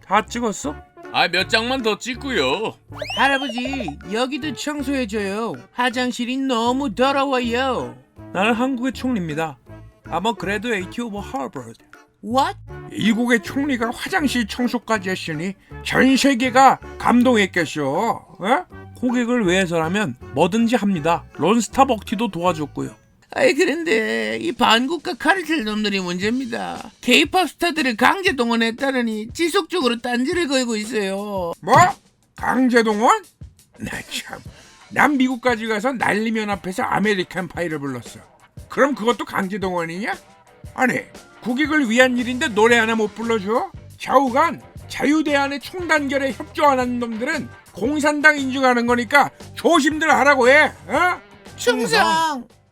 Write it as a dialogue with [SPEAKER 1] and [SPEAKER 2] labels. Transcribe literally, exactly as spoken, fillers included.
[SPEAKER 1] 다 찍었어?
[SPEAKER 2] 아, 몇 장만 더 찍고요.
[SPEAKER 3] 할아버지, 여기도 청소해줘요. 화장실이 너무 더러워요.
[SPEAKER 1] 나는 한국의 총리입니다. I'm a graduate of Harvard.
[SPEAKER 3] What?
[SPEAKER 1] 미국의 총리가 화장실 청소까지 했으니 전 세계가 감동했겠쇼. 어? 고객을 위해서라면 뭐든지 합니다. 론스타 먹튀도 도와줬고요.
[SPEAKER 3] 아이, 그런데 이 반국가 카르텔 놈들이 문제입니다. K-팝 스타들을 강제 동원했다느니 지속적으로 딴지를 걸고 있어요.
[SPEAKER 1] 뭐? 강제동원? 나 참. 난 미국까지 가서 난리면 앞에서 아메리칸 파이를 불렀어. 그럼 그것도 강제동원이냐? 아니, 국익을 위한 일인데 노래 하나 못 불러줘? 좌우간 자유대안의 총단결에 협조 안 하는 놈들은 공산당 인증하는 거니까 조심들 하라고 해. 어?
[SPEAKER 3] 충성!